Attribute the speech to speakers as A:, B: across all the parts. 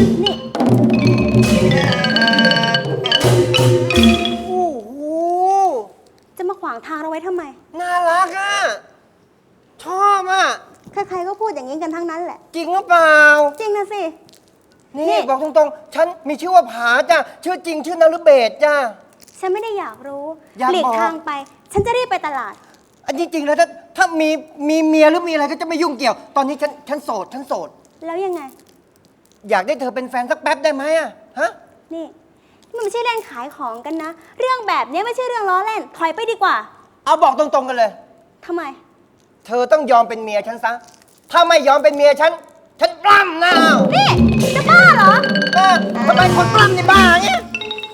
A: นี่
B: โอ้โห
A: จะมาขวางทางเราไว้ทำไม
B: น่ารักอ่ะ ชอบอ่ะ
A: ใครๆก็พูดอย่างนี้กันทั้งนั้นแหละ
B: จริงหรือเปล่า
A: จริงนะสิ
B: นี่
A: นี่
B: บอกตรงๆ ฉันมีชื่อว่าผาจ้ะ ชื่อจริงชื่อนฤเบศจ้ะ
A: ฉันไม่ได้อยากรู้
B: อยากบอก
A: หลีกทางไป ฉันจะรีบไปตลาด
B: อันจริงๆแล้วถ้ามีเมียหรือมีอะไรก็จะไม่ยุ่งเกี่ยว ตอนนี้ฉันโสด
A: แล้วยังไง
B: อยากได้เธอเป็นแฟนสักแป๊บได้ไหมอ่ะ ฮะ
A: นี่มันไม่ใช่เล่นขายของกันนะ เรื่องแบบนี้ไม่ใช่เรื่องล้อเล่น ถอยไปดีกว่า
B: เอาบอกตรงๆกันเลย
A: ทำไม
B: เธอต้องยอมเป็นเมียฉันซะ ถ้าไม่ยอมเป็นเมียฉันปล้ำนะเอา
A: นี่ จะบ้าเหรอ
B: ทำไมคนปล้ำนี่บ้าเงี้ย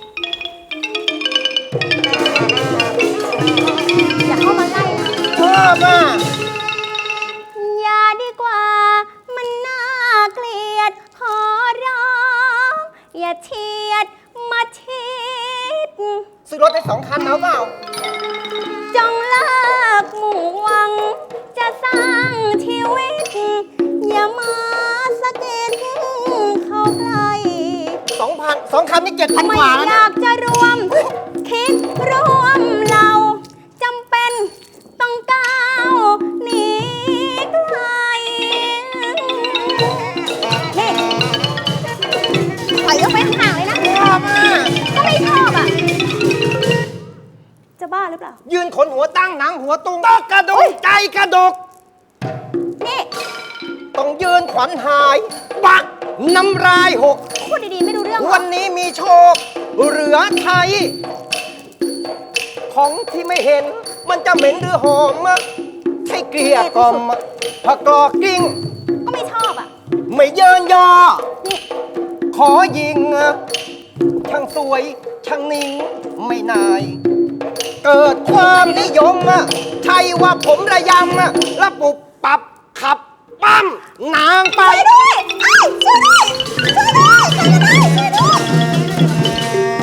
A: อย่าเข้ามาใกล้นะ
B: ชอบอ่ะ
A: อย่าดีกว่า มันน่าเกลียด ขอร้อง อย่าเฉียดมาชิด
B: ซื้อรถได้2 คันเอาเปล่า
A: จงเลิกมุ่งหวัง จะสร้างชีวิต อย่ามาสะกิดเข้าใกล้
B: 2 คันนี่7,000
A: ไม่
B: กว่าแล้ว
A: อ
B: นะ
A: ยากจะรวม คิดรวมเราจำเป็นต้องก้าวหนีไกลนี่ปล่อยยกไปห่างๆเลยนะ
B: ชอบอ่ะ
A: ก็ไม่ชอบอ่ะ จะบ้าหรือเปล่า
B: ยืนขนหัวตั้งหนังหัวตุงตอกกระดกใจกระดก
A: นี่
B: ต้องยืนขวัญหายบักน้ำลายหก
A: พูดดีๆ ไม่รู้เรื่องเหรอ
B: วันนี้มีโชค เหลือไทย ของที่ไม่เห็น มันจะเหม็นหรือหอมอะใช่เกลียกล่อมอะผักกรอกกิ้ง
A: ก็ไม่ชอบอ่ะ
B: ไม่เยินยอ
A: นี่
B: ขอยิงอะช่างสวย ช่างนิ่ง ไม่นาย เกิดความนิยมอะใช่ว่าผมระยำอะระปุบปับขับ ปั้มนางไป
A: ช่วยด้วยไอ้ยช่วยด้วยช่วยด้วยช่วยด้วยช่วยด้วย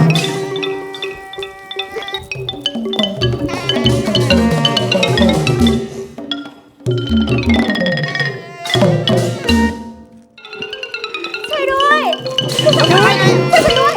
A: ช่วยด้วยช่วยฉันด้วยช่วยฉันด้วย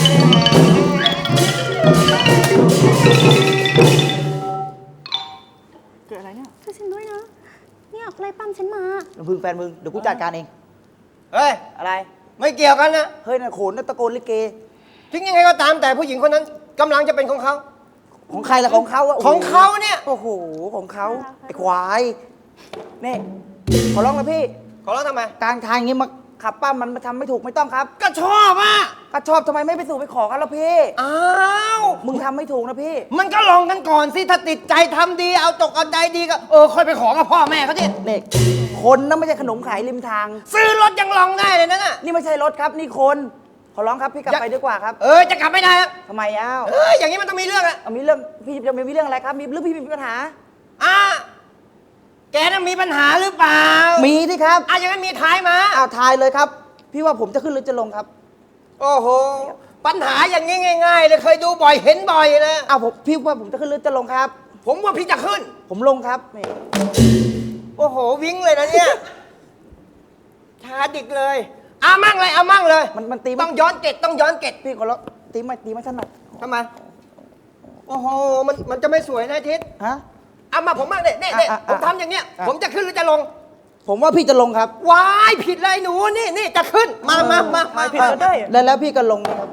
C: เกิดอะไรเนี่ย
A: ช่วยฉันด้วยนะ เนี่ยไล่ปั้มฉันมา
C: ลำพึงแฟนมึง เดี๋ยวกูจัดการเอง
B: เฮ้ย
C: อะไร
B: ไม่เกี่ยวกันนะ
C: เฮ้ยน่ะโขนน่ะตะโกนลิเก
B: ถึงยังไงก็ตามแต่ผู้หญิงคนนั้นกำลังจะเป็นของเขา
C: ของใครล่ะของเขาอะ
B: ของเขาเนี่ย
C: โอ้โห ของเขาไอ้ควาย นี่ ขอร้องนะพี่
B: ขอร้องทำไม
C: กลางทางอย่างงี้มาขับป้ามันมาทำไม่ถูกไม่ต้องครับ
B: ก็ชอบอ่ะ
C: ก็ชอบทำไมไม่ไปสู่ไปขอกันแล้วพี่
B: อ้าว
C: มึงทำไม่ถูกนะพี่
B: มันก็ลองกันก่อนสิ ถ้าติดใจทำดีเอาตกเอาใจดีก็ค่อยไปขอกับพ่อแม่เขาดิ
C: นี่คนนะไม่ใช่ขนมขายริมทาง
B: ซื้อรถยังลองได้เลยนั่นน่ะ
C: นี่ไม่ใช่รถครับ นี่คน ขอร้องครับพี่กลับไปดีกว่าครับ
B: จะกลับไม่ได้อะ
C: ทำไมอ้าว
B: อย่างนี้มันต้องมีเรื่องอะ
C: เอามีเรื่องพี่จะมีเรื่องอะไรครับ มีเรื่องพี่มีปัญหา
B: อ่ะแกน่ะมีปัญหาหรือเปล่า
C: มีดิครับ
B: อย่างนั้นมีท้ายมา
C: อ้าวทายเลยครับ พี่ว่าผมจะขึ้นหรือจะลงครับ
B: โอ้โห ปัญหาอย่างนี้ง่ายๆเลยเคยดูบ่อยเห็นบ่อยนะ
C: อ้าวพี่ว่าผมจะขึ้นหรือจะลงครับ
B: ผมว่าพี่จะขึ้น
C: ผมลงครับนี่
B: โอ้โห วิ่งเลยนะเนี่ยชาดิกเลยเอามั่งเลยเอามั่งเลย
C: มันตี
B: ต้องย้อนเกตต้องย้อนเกต
C: พี่ขอร้องตีไม่ถนัด
B: ทำไม โอ้โห มันจะไม่สวยนะทิศ
C: ฮะ
B: เอามาผมมั่งเนี่ยเนี่ย
C: อ่ะ
B: ผมทำอย่างเนี้ย
C: อ่ะ
B: ผมจะขึ้นหรือจะลง
C: ผมว่าพี่จะลงครับ
B: วายผิดเลยหนูนี่จะขึ้น มา
C: ผิดก็ได้แล้วพี่ก็ลงนะครับ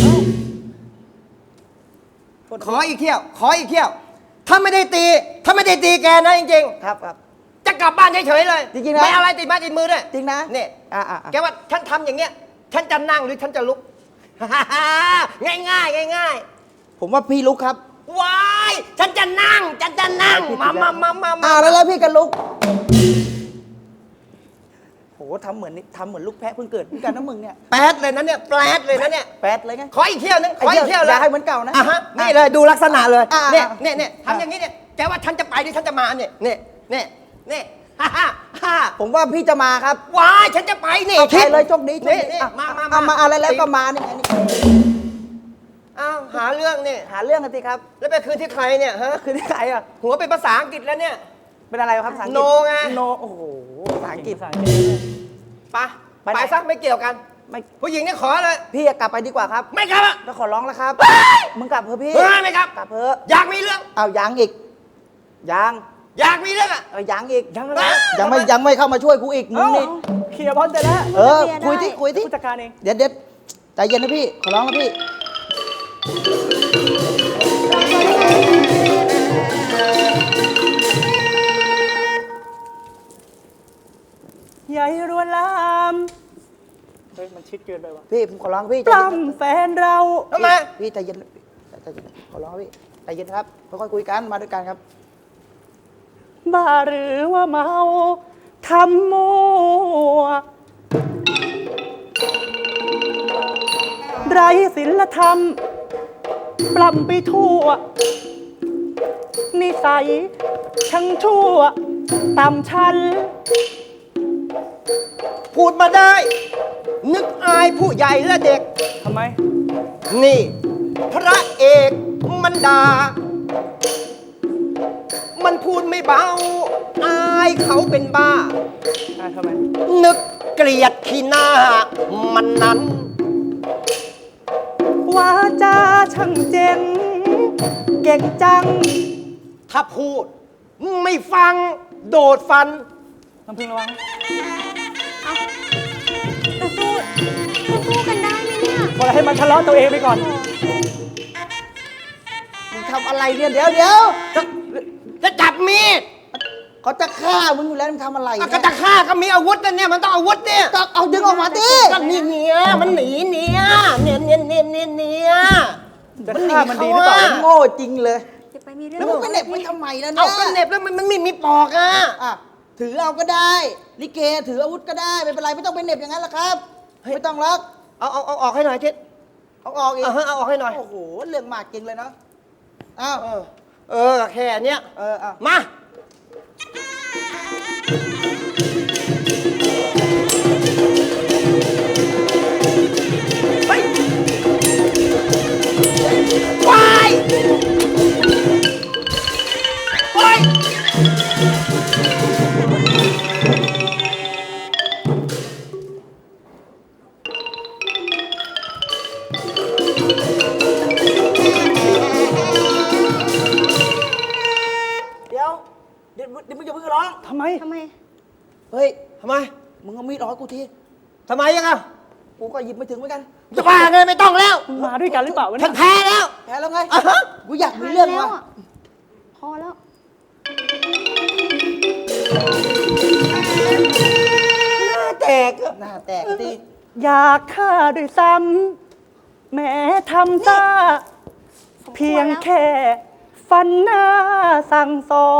B: ขออีกเที่ยว ขออีกเที่ยว ถ้าไม่ได้ตีแกนะจริง
C: ครับครับ
B: ๆ จะกลับบ้านเฉยๆเลย
C: จริงๆนะ
B: ไม่เอาอะไรติดไม้ติดมือด้วย
C: จริงนะ
B: เนี่ย
C: อ่ะ
B: แกว่าฉันทำอย่างเงี้ย ฉันจะนั่งหรือฉันจะลุก ง่าย
C: ผมว่าพี่ลุกครับ
B: ๆวายฉันจะนั่งมา
C: แล้วพี่ก็ลุกโหทำเหมือนลูกแพะเพิ่งเกิดเหมือนกันนะมึงเนี่ย
B: แปดเลยนะเนี่ยแปดเลยนะเนี่ย
C: แปดเลยไง
B: ขออีกเที่ยวนึงขออีกเที่ยวเลย
C: อย่าให้เหมือนเก่านะ
B: ฮะนี่เลยดูลักษณะเลย
C: อ่ะ
B: เนี่ยทำอย่างนี้เนี่ยแกว่าฉันจะไปหรือฉันจะมาเนี่ย ฮ่า
C: ผมว่าพี่จะมาครับ
B: ว้ายฉันจะไปนี่
C: เอาไปเลยโชคดี
B: นี่
C: อ่ะ
B: มา
C: อะไรแล้วก็มานี่ไงนี่
B: อ้าวหาเรื่องนี่
C: หาเรื่องกันสิครับ
B: แล้วไปคืนที่ใครเนี่ยฮะ
C: คือที่ใครอ่ะ
B: หัวเป็นภาษาอังกฤษแล้วเนี่ย
C: เป็นอะไรครับภาษาอังกฤษ
B: โนไง
C: โนโอ้โหภาษาอังกฤษ
B: ไป
C: ไปไหน
B: ซะไม่เกี่ยวกัน
C: ไม่
B: ผู้หญิงเนี่ยขอเลย
C: พี่กลับไปดีกว่าครับ
B: ไม่กลับอะ
C: แล้วขอร้องแล้วครับมึงกลับเถอะพี่
B: เฮ้ยไม่กลับ
C: กลับเถอะ
B: อยากมีเรื่อง
C: เอายังอีกยัง
B: อยากมีเรื่องอะ
C: ยังอีก
D: ยังอะไร
C: ยังไม่เข้ามาช่วยกูอีกมึงนี่
D: เคลียร์บอลเสร็จแล้ว
C: เออคุยที่
D: ผู้จัดการเอง
C: เดี๋ยวใจเย็นนะพี่ขอร้องนะพี่
D: ใหญ่รวนลามเฮ้ยมันชิดเกินไปว่ะ
C: พี่ผมขอร้องพี่
D: ปล้ำแฟนเรา
B: ทำไม
C: พี่ใจเย็นใจเย็นขอร้องพี่ใจเย็นครับค่อยๆคุยกันมาด้วยกันครับ
D: บ้าหรือว่าเมาทำมัวไรศีลธรรม ปล้ำไปทั่ว นิสัยช่างชั่วต่ำชัน
B: พูดมาได้ นึกอายผู้ใหญ่และเด็ก
D: ทำไม
B: นี่ พระเอกมันด่ามันพูดไม่เบา อายเขาเป็นบ้า
D: ทำไม
B: นึกเกลียดขี้หน้า มันนั้น
D: วาจาช่างเจ๋ง เก่งจัง
B: ถ้าพูด ไม่ฟังโดดฟัน
D: น้ำพึ่งระวัง
A: จะสู้กันได้ไหมเนี่ย
D: พอให้มันทะเลาะตัวเองไปก่อน
C: มึงทำอะไรเนี่ยเดี๋ยว
B: จะจับมีด
C: เขาจะฆ่ามึงอยู่แล้วมึงทำอะไร
B: ก็
C: เนี่ย
B: จะฆ่าก็มีอาวุธนะเนี่ยมันต้องอาวุธเนี่ย
C: ก็เอาดึงออกมาดิ
B: ก็นี่เนี่ยมันหนีเนี่ย
D: จะ
B: มันหนี
D: ฆ่ามันดีหรือเปล่า
B: เขาอะ
C: โง่จริงเลย
A: จะไปมีเรื่อง
C: แล้วมึงไปเหน็บไว้ทำไมล่ะ
B: เอา
C: เนี่ย
B: ก็เหน็บแล้วมันมีปอกอ่ะ
C: อ่ะถือเอาก็ได้ลิเกถืออาวุธก็ได้ไม่เป็นไรไม่ต้องไปเหน็บอย่างนั้นหรอกครับไม่ต้องหรอก
B: เอาออกให้หน่อยทิศ
C: เอาออกอีก
B: เอาออกให้หน่อย
C: โอ้โหเรื่องมากจริงเลยเนาะอ้าว
B: แค่เนี้ย
C: เอา
B: มาไปวายโอ้ย
C: เดี๋ยวมึงจะเพิ่งร้อง
D: ทำไม
A: ทำไม
C: เฮ้ย
B: ทำไม
C: มึงเอามีดออกให้กูที
B: ทำไมยังอ่ะ
C: กูก็หยิบไม่ถึงเหมือนกัน
B: จะบ้าไงไม่ต้องแล้ว
D: มึงมาด้วยกันหรือเปล่าวะ
B: ฉั
D: เนี่
B: น
D: ย
B: แพ้แล้ว
C: แพ้แล้วไง
B: อ่ะฮะ
C: กูอยากมีเรื่อง
A: แล้ว
C: ว่ะ
A: อะพอแล้ว
B: หน้าแตกอะ
C: หน้าแตกที
D: อยากฆ่าด้วยซ้ำแม้ทำซาเพียงแค่ฟันหน้าสั่งสอน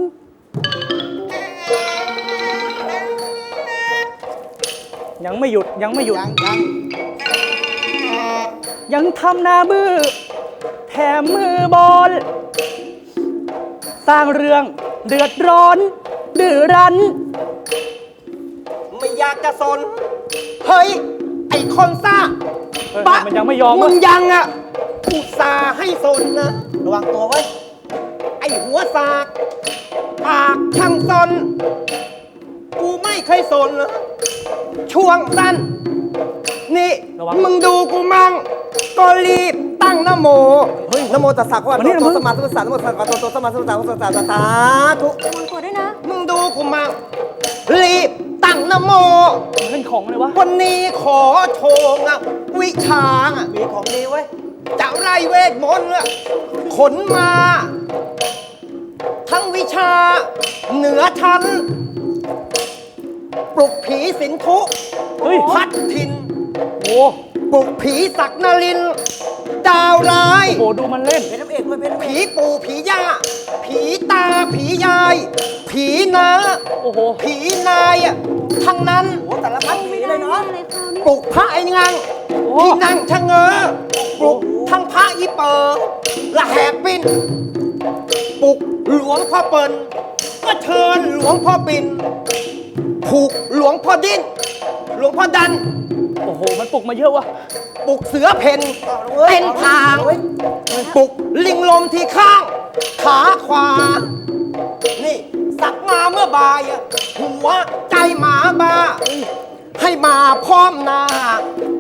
D: ยังไม่หยุด
C: ยัง
D: ยังทำหน้ามือ แถมมือบอล สร้างเรื่องเดือดร้อนดื้อรั้น
B: ไม่อยากจะสน เฮ้ย ไอ้คนซ่า
D: เฮ้ยมันยังไม่ยอม
B: มึ
D: วะ
B: งยังอ่ะอุตส่าห์ให้สนนะ
C: ระวังตัวไว้
B: ไอ้หัวสากปากช่างสน กูไม่เคยสนนะช่วงสั้น นี่
D: ระวัง
B: มึงดูกูมั่ง ก็รีบตั้งนะโม เฮ้ยนะโมตัสสะพระ
D: มานี่
B: โต
D: นะมึง
B: สมมาสัมพุทธัสสะนะโมตัสสะพระโตสมมาสัมพุทธัสสะนะโมตัสสะสาธุ
A: ระวังตัวด้วยนะ
B: มึงดูกูมั่ง รีบตั้งนะโม
D: มันเป็นของเลยวะ
B: วันนี้ขอโชว์อะวิชาอะ
C: มีของดีไว้ย
B: จะไล่เวทมนต์อะขนมา ทั้งวิชา เหนือชั้น ปลุกผีสินทุ
D: เฮ้ย
B: พัดทิน
D: โอ้
B: ปลุกผีศักนรินทร์ดาวร้าย
D: โหดูมันเล่น
C: เป็นน้ำเอกด้วยเป็นน้ำเอ
B: ผี
C: ก
B: ปู่ผีย่า ผีตาผียาย ผีนา
D: โอ้โห
B: ผีนายอะทั้งนั้น
C: โอ้สารพัดผีเลยเนาะ
A: อะไรคราวนี้
B: ปลุกพระไอ้งัง
D: โอ้
B: ที่นั่งชะเง้อปลุกทั้งพระอีเปอร์ละแหกปิ้นปลุกหลวงพ่อเปิลก็เชิญหลวงพ่อปิ่นผูกหลวงพ่อดิ้น หลวงพ่อดัน
D: โอ้โห มันปลุกมาเยอะวะ
B: ปลุกเสือเพ่นเป็นทางปลุกลิงลมที่ข้าง ขาขวา นี่สักมาเมื่อบ่ายอะหัวใจหมาบ้า ให้มาพร้อมหน้า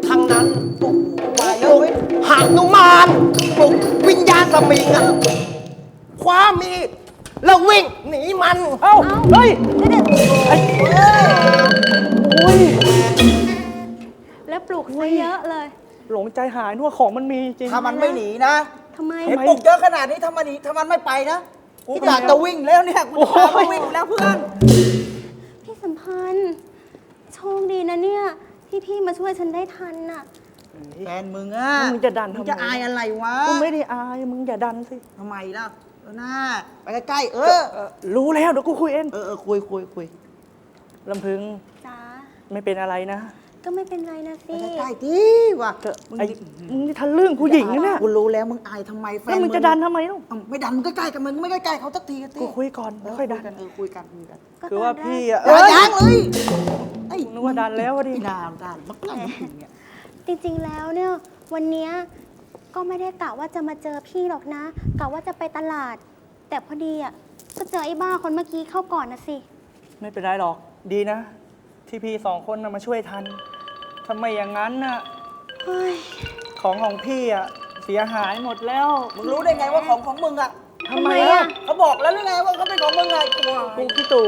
B: ทั้งนั้น
C: โอ้โหมาเย
B: ป
C: อะ
B: ลุก
C: เว้ย
B: หานุมานปลุกวิญญาณสมิงอะคว้ามีดแล้ววิ่งหนีมัน
D: เอ้า เฮ้ย ไอ้โอ้ย
A: แล้วปลุกซะเยอะเลย
D: หลงใจหายนึกว่าของมันมีจริง
C: ถ้ามันไม่หนีนะ
A: ทำไม
C: เห็นปลุกเยอะขนาดนี้ถ้ามันหนีถ้ามันไม่ไปนะกูอยากจะวิ่งแล้วเนี่ยกูจะพามันวิ่งแล้วเพื่อน
A: พี่สัมพันธ์ โชคดีนะเนี่ย ที่พี่มาช่วยฉันได้ทันน่ะ
C: แฟนมึงอะ
D: มึงจะดันทำไม
C: มึงจะอายอะไรวะ
D: กูไม่ได้อาย มึงอย่าดันสิ
C: ทำไมล่ะเออหน้าไปใกล้ๆ
D: รู้แล้วเดี๋ยวกูคุยเอง
C: คุย
D: ลำพึง
A: จ้า
D: ไม่เป็นอะไรนะ
A: ก็ไม่เป็นไรนะ
C: ไป
A: สิ
C: ใกล้ๆที่ว่ะ
D: มึงนี่ทะลึ่งผู้หญิงนะเนี่ย
C: กูรู้แล้วมึงอายทำไมแฟน
D: แล้วมึงจะดันทำไมลูก
C: เอ้าไม่ดันมึงใกล้ๆกันมึงไม่ใกล้ๆเขาสักทีกัน
D: กูคุยก่อนไม่ค่อยดัน
C: คุยกัน
A: ก็
D: คือ
A: ต
D: ว่า
A: อนแรก
D: พี่อะ
C: ยังเลยไอ้
D: นึกว่าดันแล้วอะดิ
C: นานดันมักง่ายจริงเนี่ย
A: จริงๆ แล้วเนี่ย วันเนี้ยก็ไม่ได้กะว่าจะมาเจอพี่หรอกนะ กะว่าจะไปตลาด แต่พอดีอ่ะ ก็เจอไอ้บ้าคนเมื่อกี้เข้าก่อนนะสิ
D: ไม่เป็นไรหรอก ดีนะ ที่พี่สองคนนะมาช่วยทันทำไมอย่างนั้นน่ะ
A: เฮ้ย
D: ของพี่อะเสียหายหมดแล้ว
C: มึงรู้ได้ไงว่าของมึงอะ
D: ทำไมอะ
C: เขาบอกแล้วหรือไงว่าเขาเป็นของมึงไงกลัว
D: กูพี่ตู่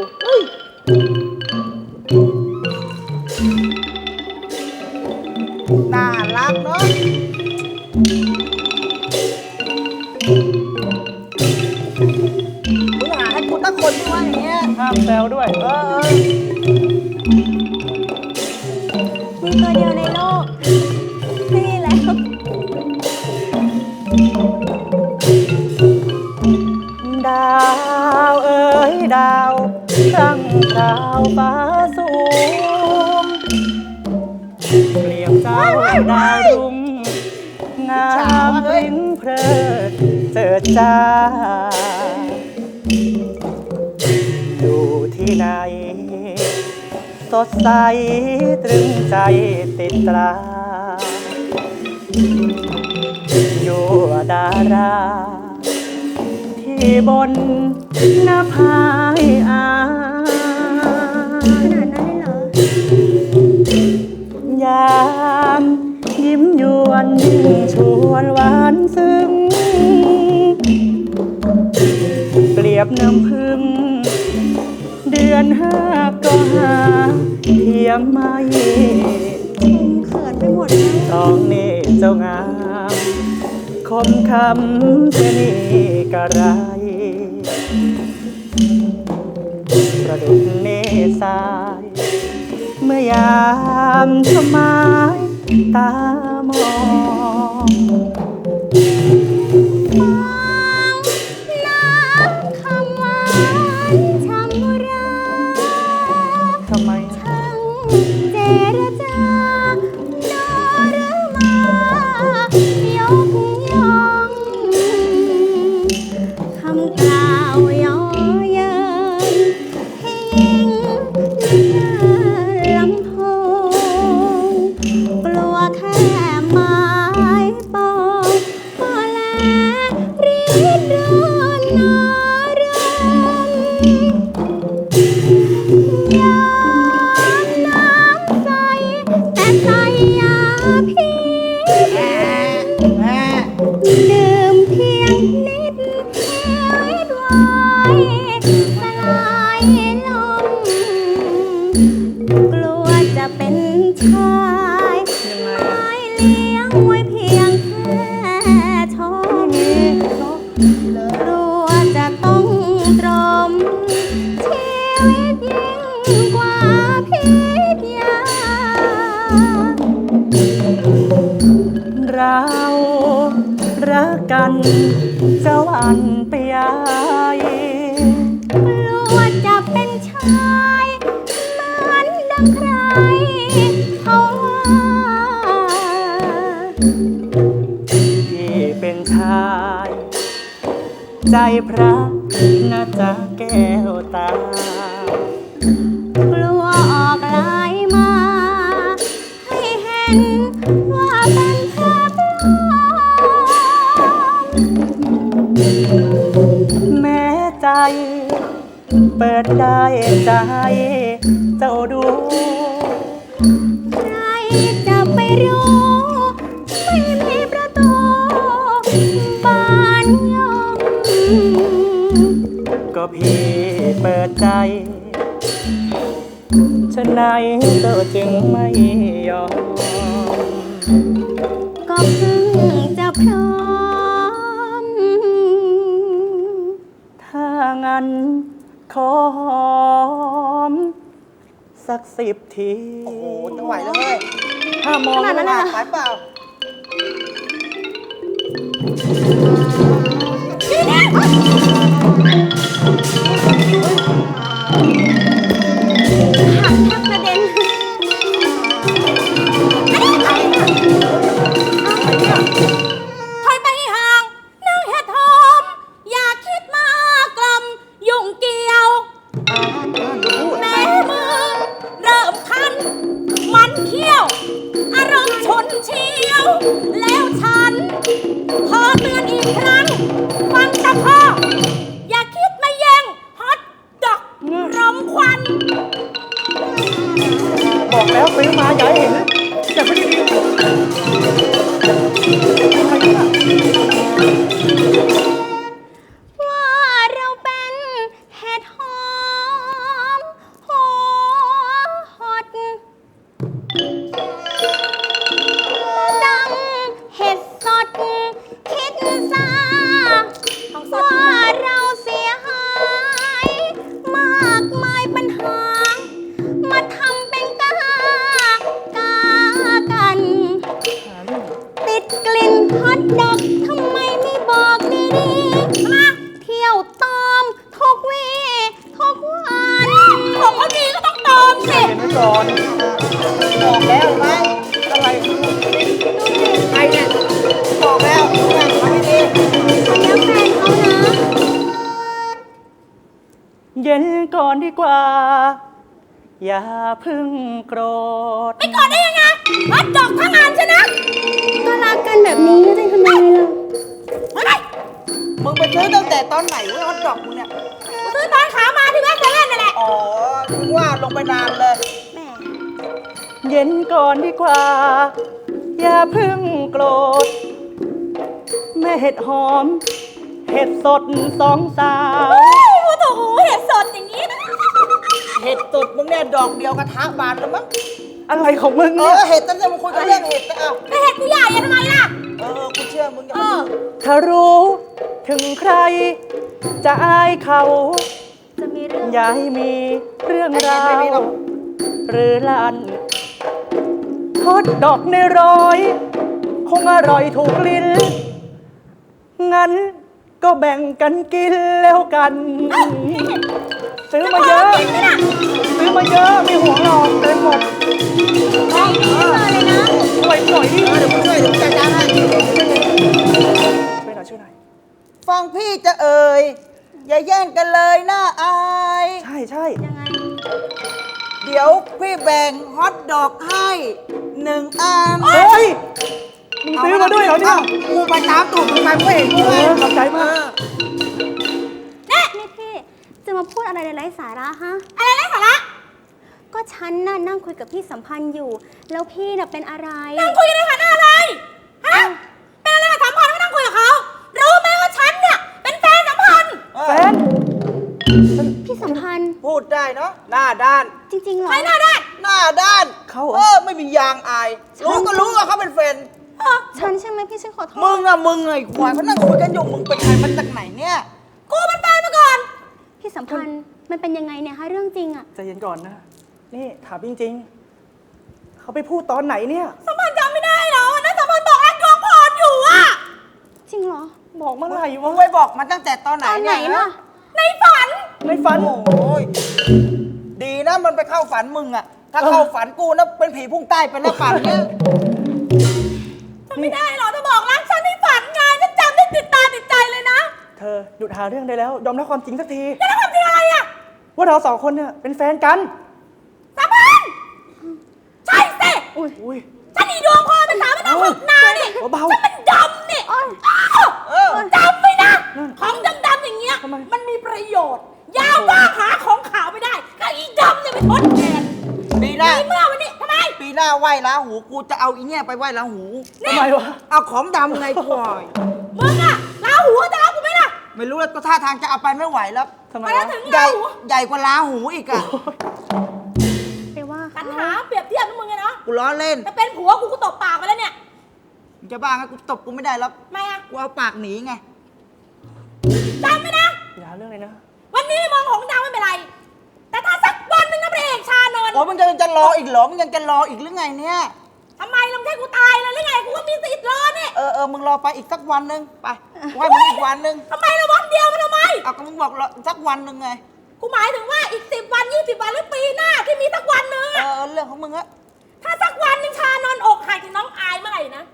C: น่ารักเนาะมึงหาให้กูตั้งคนที่ว่าอย่างเงี้ย
D: ห้ามแซวด้วย
A: มีตัวเดียวในโลก นี่แหละ
D: ดาวเอ๋ยดาวตั้งดาวฟ้าสูงเปรียบเจ้าดาวรุ่งงามริ้นเพลิดเจิดจ้า อยู่ที่ไหน สดใสตรึงใจติดตรา อยู่ดารา ที่บนหน้าพายอา
A: ขนาดนั้นเลยเหรอ
D: ยามยิ้มยวนชวนหวานซึ้ง เปรียบน้ำพึ่ง เดือนห้าก็หาเทียมไม่
A: เขินไปหมดแล้ว
D: ตองนี่เจ้างาม คมคำเสน่ห์กระไร ประดุจเนสาย เมื่อยามชมไม้ตามอง
A: น้ำคำหวานช่ำรา
D: ทำไม
A: ช่างเจรจาโนรมายกย่องคำกล่าวย่อเยินให้ยิ่งลำโพงกลัวแค่ไม้ปองก็แลรีดโดนนารม ยามน้ำใสแต่ใสยาพิษดื่มเพียงนิดชีวิตวายสลายลงกลัวจะเป็นชาย
D: ยังไง
A: ไม้เลี้ยงไว้เพียงแค่ชมกลัวจะต้องตรมชีวิตยิ่งกว่าพิษยา
D: เรารักกันเจ้าอันเปียย
A: กลัวจะเป็นชายเหมือนดังใครเขาว่า
D: ที่เป็นชาย ใจพระน่าจะแก้วตา
A: กลัวออกลายมา ให้เห็นว่าเป็นภาพปลอม
D: แม้ใจ เปิดได้ใจ เจ้าดู
A: ใครจะไปรู้
D: ะไหนเธอจึงไม่ยอม
A: ก็เพิ่งจะพร้อม
D: ถ้างั้นขอหอมสัก10 ที
C: โอ้โหจะไหวแล้วเว้ย
D: ถ้ามอง
A: ขนาดนั้นเลยเหรอ
C: หายเปล่า
A: หักแทบกระเด็นถอยไปห่างนางเห็ดหอม อย่าคิดมากลำยุ่งเกี่ยว แม่มือเริ่มคัน มันเขี้ยว อารมณ์ฉุนเฉียว แล้วฉัน ขอเตือนอีกครั้ง ฟังจะพ่อ อย่าคิดมาแย่งฮอตดอกรมควัน
D: บอกแล้วซื้อมาอย่าให้เห็นอย่าไปดีๆใครเนี่ย
A: ว่าเราเป็นเห็ดหอมหัวหดดังเห็ดสดคิดซาว่าเราเสียหายมากมายปัญหา มาทำเป็นกากัน ติดกลิ่นฮอตดอกทำไมไม่บอกดีๆมาเที่ยวตอมทุกวีทุกวันของเขาดีก็ต้องตอมสิ
D: เห็นไว้ก่อน
C: บอกแล้วไหม
D: อะไร
C: ใครเนี่ยบอกแล้วทำไม่ดี
A: คนนี้แฟนเขานะ
D: เย็นก่อนดีกว่า อย่าเพึ่งโกรธ
A: ไม่ก่อนได้ยังไงฮอตดอกทั้งงานชนะ ก็รักกันแบบนี้จะทำไมล่ะไม่ได้
C: มึงไปซื้อตั้งแต่ตอนไหนเว้ยฮอตดอกมึงเนี่ย
A: กูซื้อตอนขามาที่แม่เซเว่นนั่นแหละ
C: อ๋อถึงว่าลงไปนานเลย
A: แหม
D: เย็นก่อนดีกว่า อย่าเพึ่งโกรธ แม่เห็ดหอม เห็ดสดสองสาว
A: เฮ้ยโอ้โหเห็ดสดอย่างนี้นะ
C: เห็ดตดมึงเนี่ยดอกเดียวกระทะบานแล้วมั้ง
D: อะไรของมึง
C: เอ
D: เนี่ย
C: อเห็ดตั้งแต่มึงคุยกันเรื่องเห็ดนะเอา
A: แต่เห็ดกูใหญ่อะทำไมล่ะ
C: กูเชื่อมึงอย่า
A: เอ
C: มา
A: อ
D: ถ้ารู้ถึงใคร จะอายเขา
A: จะมีเรื่อง
D: อย่าให้มีเรื่องราว หรือลันทอดดอกในร้อย คงอร่อยถูกลิ้น งั้นก็แบ่งกันกินแล้วกัน ซื้อมาเยอะ
A: กินไหมน่ะ
D: ซื้อมาเยอะ ไม่ห่วงหรอกเต็มหมด
A: ไม่ดีเลยนะ
D: ช่วยหน่อยดิ
C: เดี๋ยวมึงช่วยเดี๋ยวมึงจัดการให้
D: ช่วยหน่อยช่วยหน่อย
C: ฟังพี่จะเอ่ยอย่าแย่งกันเลยน่าอาย
D: ใช่ใช่
A: ยังไง
C: เดี๋ยวพี่แบ่งฮอตดอกให้1 อัน
D: เฮ้ย มึงซื้อมาด้วยเหรอเนี่ย
C: กูไปตามตูดมึงไปกูเห็นกู
D: เอ
C: ไง
D: อขอบใจมาก
A: นี่พี่จะมาพูดอะไรไร้สาระฮะ อะไรไร้สาระ ก็ฉันน่ะนั่งคุยกับพี่สัมพันธ์อยู่ แล้วพี่น่ะเป็นอะไร นั่งคุยกันในฐานะอะไร ฮะ เป็นอะไรกับสัมพันธ์ไม่นั่งคุยกับเขา รู้ไหมว่าฉันเนี่ยเป็นแฟนสัมพันธ์
D: แฟน
A: พี่สัมพันธ์
C: พูดได้เนาะหน้าด้าน
A: จริงๆเหรอใครหน้าด้าน
C: หน้าด้าน
D: เขาเหรอ
C: ไม่มียางอาย รู้ก็รู้ว่าเขาเป็นแฟน
A: ฉันใช่ไหมพี่ฉันขอโทษ
C: มึงไงควายเขานั่งคุยกันอยู่มึงเป็นใครมาจากไหนเนี่ย
A: กูเป็นแฟนมาก่อน พี่สัมพันธ์มันเป็นยังไงเนี่ยฮะเรื่องจริงอะ
D: ใจเย็นก่อนนะ นี่ถามจริงๆ เขาไปพูดตอนไหนเนี่ย
A: สัมพันธ์จำไม่ได้เหรอนะสัมพันธ์บอกแอดกองพรอยู่อะจริงเหรอ
D: บอกเมื่อไหร่
C: มึ
D: วะ
C: งไปบอกมันตั้งแต่ตอนไหน
A: ตอนไหน
C: เนี่ย
A: ล่ะ ในฝัน
D: ในฝัน
C: โอ้ยดีนะมันไปเข้าฝันมึงอะถ้าเข้าฝันกูนะเป็นผีพุ่งใต้ไปแล้วฝันเนี่ย
A: จำไม่ได้เหรอจะบอกรักฉันในฝันไงฉันจำได้ติดตาติดใจเลยนะ
D: เธอหยุดหาเรื่องได้แล้ว ยอมรับความจริงสักที
A: แล้วความจริงอะไรอะ
D: ว่าเราสองคนเนี่ยเป็นแฟนกัน
A: สัมพันธ์ใช่สิ
D: อุ้ย
A: ฉันอีดวงพ่อเป็นสาวเป็นน้องฝึกนาเนี่ย
D: เบาๆ
A: ฉันมันดำเนี่ยจำไว้นะ ของดำๆอย่างเงี้ย
D: ทำไม
A: มันมีประโยชน์ ยาวว่าหาของขาวไม่ได้ก็อีดำเนี่ยไปทดแทน
C: ปีหน้า
A: ในเมื่อวันนี้ทำไม
C: ปีหน้าไหว้ลาหูกูจะเอาอีเนี่ยไปไหว้ลาหู
D: ทำไมวะ
C: เอาของดำไงควาย
A: มึงอะลาหูจะรับกูไหมล่ะ
C: ไม่รู้แล้วก็ท่าทางจะเอาไปไม่ไหวแล้ว
D: ทำไม
A: ไปแล้ว
D: วะ
A: ถึง
C: ใหญ่
A: ลาหู
C: ใหญ่กว่าลาหูอีกอะ
A: ไปว่า
E: ปัญหาเปรียบเทียบกับมึงไงเนาะ
C: กูล้อเล่น
E: แต่เป็นผัวกูตบปากไปแล้วเนี่ย
C: มึงจะบ้าไงกูตบกูไม่ได้แล้ว
E: ทำไมอะ
C: กูเอาปากหนีไง
E: จำไว้นะ
D: อย่าหาเรื่องเลยนะ
E: วันนี้มองของดาวไม่เป็นไร แต่ถ้าสักวันหนึ่งนะพระเอกชานนท์
C: โอ้มึงจะรออีกเหรอ มึงยังจะรออีกหรือไงเนี่ย
E: ทำไมลงให้กูตายเลยหรือไง กูก็มีสิทธิ์รอเนี่ย
C: มึงรอไปอีกสักวันหนึ่งไปกูให้มึงอีกวันหนึ่ง
E: ทำไมละวันเดียวมันทำไม
C: เอาก็มึงบอกรอสักวันหนึ่งไง
E: กูหมายถึงว่าอีก10 วัน20 วันหรือปีหน้าที่มีสักวันหนึ่งอะ
C: เรื่องของมึงอะ
E: ถ้าสักวันหนึ่งชานนท์อกหักจากน้องอายเมื่อไหร่นะ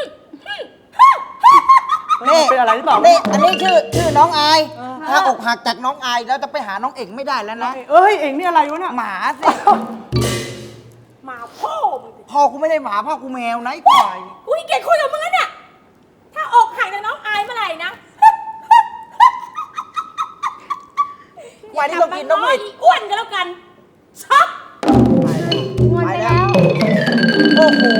C: นี่
D: เป็นอะไรหรือเปล่า
C: นี่อันนี้ชื่อน้องอาย ถ้าอกหักจากน้องอายแล้วจะไปหาน้องเอกไม่ได้แล้วนะ
D: เอ้ย เอ็งนี่อะไรวะเนี่ย
C: หมาสิ
E: หมาพ่อมึงสิ
C: พ่อกูไม่ได้หมาพ่อกูแมวนะไอ้ควาย
E: กูขี้เกียจคุยกับมึงแล้วเนี่ย ถ้าอกหักจากน้องอายเมื่อไหร่นะ
C: วันนี้เรากินน้อง
E: น้อ
C: เอย ก
E: อีอ้วนกันแล้วกันช็อก
A: งอนไปแล้ว
C: โอ้โห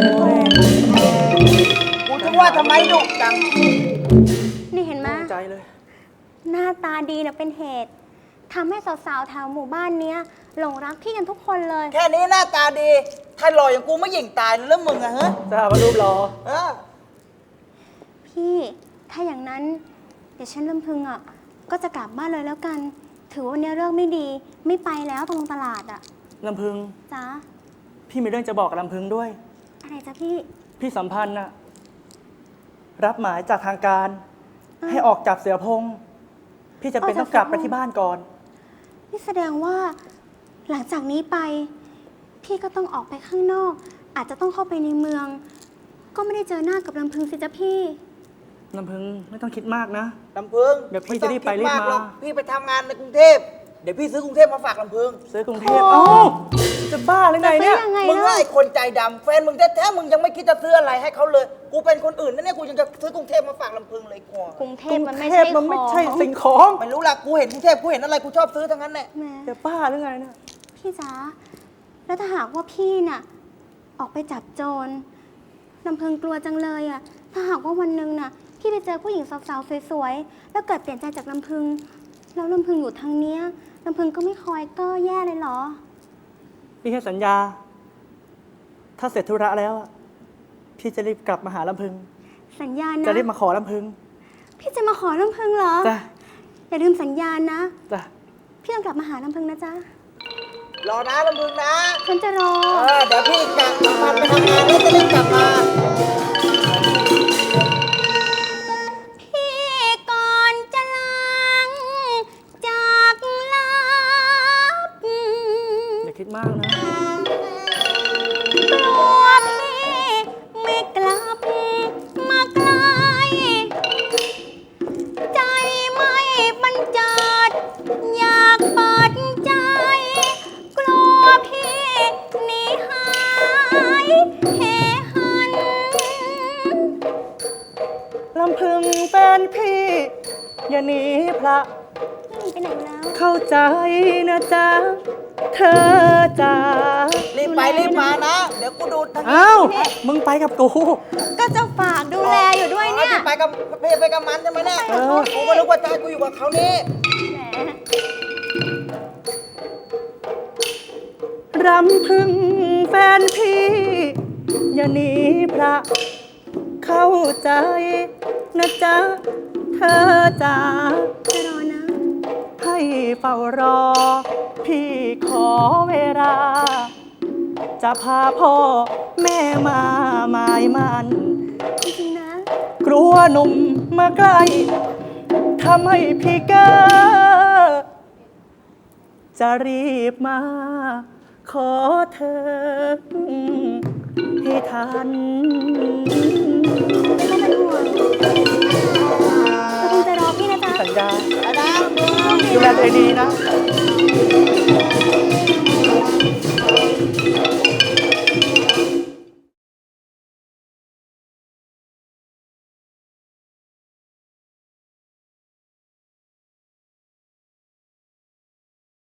C: กูจะว่าทำไมดุจัง
A: นี่เห็นไหม
D: ใจเลย
A: หน้าตาดีนะเป็นเหตุทำให้สาวๆแถวหมู่บ้านเนี้ยหลงรักพี่กันทุกคนเลย
C: แค่นี้หน้าตาดี ถ้าหล่ออย่างกูไม่หยิ่งตายเลยแล้วมึงอะฮะ
D: จะหาว่ารูปรอ
C: เออ
A: พี่ถ้าอย่างนั้นเดี๋ยวฉันลำพึงอ่ะก็จะกลับบ้านเลยแล้วกัน ถือว่าวันนี้เรื่องไม่ดีไม่ไปแล้วตรงตลาดอ่ะ
D: ลำพึง
A: จ้า
D: พี่มีเรื่องจะบอกกับลำพึงด้วย
A: อะไรจ้ะพี่
D: พี่สัมพันธ์น่ะ รับหมายจากทางการ ให้ออกจากเสือพง พี่จะเป็นต้องกลับไปที่บ้านก่อน
A: นี่แสดงว่า หลังจากนี้ไป พี่ก็ต้องออกไปข้างนอก อาจจะต้องเข้าไปในเมือง ก็ไม่ได้เจอหน้ากับลำพึงสิจ้ะพี่
D: ลำพึงไม่ต้องคิดมากนะ
C: ลำพึง
D: เดี๋ยวพี่จะรีบไปรีบมา
C: ไต้องคิดกหรอกพี่ไปทำงานในกรุงเทพ เดี๋ยวพี่ซื้อกรุงเทพมาฝากลำพึง
D: ซื้อกรุงเทพ
A: โอ้
D: เอ้าจะบ้าหรือไงเนี่ย
A: จะไปยังไง
C: มึงว่า
A: ล่ะ
C: ไอ้คนใจดำแฟนมึงแท้ๆมึงยังไม่คิดจะซื้ออะไรให้เขาเลย กูเป็นคนอื่นนะเนี่ยกูยังจะซื้อกรุงเทพมาฝากลำพึงเลยกว่าก
A: รุงเท
D: กรุ
A: พ
D: ง
A: มัน
D: เท
A: ไม่
D: พ
A: ใช่
D: มันไม่ใช่
A: ของ
D: สิ่งของ
C: ไม่รู้ละกูเห็นกรุงเทพกูเห็นอะไรกูชอบซื้อทั้งนั้นแหละ
A: แหม
D: จะบ้าหรือไงเนี่ย
A: พี่จ๋าแล้วถ้าหากว่าพี่น่ะ ออกไปจับโจรลำพึงกลัวจังเลยอ่ะ ถ้าหากว่าวันหนึ่งน่ะ พี่ไปเจอผู้หญิงสาวๆสวยๆแล้วเกิดเปลี่ยนใจจากลำพึง แล้วลำพึงอยู่ทางเนี้ยลำพึงก็ไม่คอยก็แย่เลยเหรอ
D: พี่ให้สัญญา ถ้าเสร็จธุระแล้วอะพี่จะรีบกลับมาหาลำพึง
A: สัญญานะ
D: จะรีบมาขอลำพึง
A: พี่จะมาขอลำพึงเหรอ
D: จ้ะ
A: อย่าลืมสัญญานะ
D: จ้ะ
A: พี่ต้องกลับมาหาลำพึงนะจ๊ะ
C: รอนะลำพึงนะ
A: ฉันจะรอ
C: เดี๋ยวพี่จะมาไปทำงานแล้วจะรีบกลับมา
A: พี่ก่อนจะลังจากลับ
D: อย่าคิดมากนะ
A: กลัวพี่ไม่กลับมาไกล ใจไม่บรรเจิดอยากเปิดใจ กลัวพี่หนีหายเหหัน
D: ลำพึงเป็นพี่ อย่าหนีพระ
A: ไปไหนแล้ว
D: เข้าใจนะจ๊ะ เธอจ๋า
C: รีบไปรีบมานะ เดี๋ยวกูดูทางนี้
D: อ้าวมึงไปกับกู
A: ก็จะฝากดูแลอยู่ด้วยเนี่ย
C: พี่ไปกับพี่ไปกับมันใช่ไหมเนี่ย
D: เออ
C: กูก็นึกว่าใจกูอยู่กับเขานี่
A: แหม
D: รำพึงแฟนพี่ อย่าหนีพระ เข้าใจนะจ๊ะ เธอจ๋า
A: จะรอนะ
D: ให้เฝ้ารอ พี่ขอเวลา จะพาพ่อแม่มาหมายมัน
A: จริงๆนะ
D: กลัวหนุ่มมาใกล้ทำให้พี่เก้อจะรีบมา ขอเธอให้ทัน
A: ไม่ต้องเป็นห่วงเราคงจะรอพี่นะจ๊ะ
D: สัญญา
C: ไปนะ
D: ดูแลตัวเองดีนะ
A: จ